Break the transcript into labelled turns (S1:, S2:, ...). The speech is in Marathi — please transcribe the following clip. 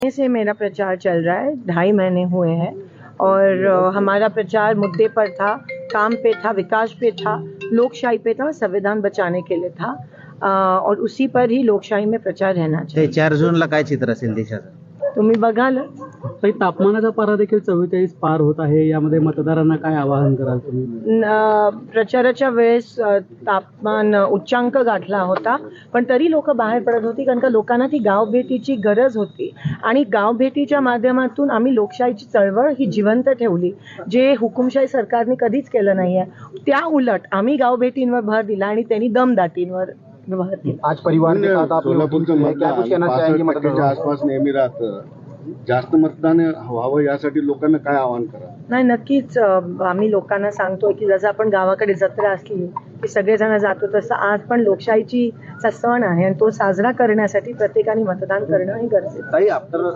S1: से मेरा प्रचार चल रहा है, 2.5 महीने हुए हैं और हमारा प्रचार मुद्दे पर था, काम पे था, विकास पे था, लोकशाही पे था, संविधान बचाने के लिए था और उसी पर ही लोकशाही में प्रचार रहना चाहिए.
S2: 4 जूनला काय चित्र असेल देशाचं?
S1: तुम्ही बघाल.
S3: ताई, तापमानाचा पारा देखील 44 पार होत आहे. यामध्ये मतदारांना काय आवाहन कराल तुम्ही?
S1: प्रचाराच्या वेळेस तापमान उच्चांक गाठला होता, पण तरी लोक बाहेर पडत होती कारण का लोकांना ती गावभेटीची गरज होती आणि गावभेटीच्या माध्यमातून आम्ही लोकशाहीची चळवळ ही जिवंत ठेवली, जे हुकुमशाही सरकारने कधीच केलं नाहीये. त्या उलट आम्ही गावभेटींवर भर दिला आणि त्यांनी दमदाटींवर भर दिला.
S4: आज परिवार के साथ आप सोलापूरचं मतदान आसपास नेहमी राहतं, जास्त मतदान व्हावं यासाठी लोकांना काय आवाहन करा?
S1: नाही, नक्कीच आम्ही लोकांना सांगतोय की जसं आपण गावाकडे जत्रा असली की सगळेजण जातो, तसं आज पण लोकशाहीची सण आहे आणि तो साजरा करण्यासाठी प्रत्येकाने मतदान करणं हे गरजेचं आहे.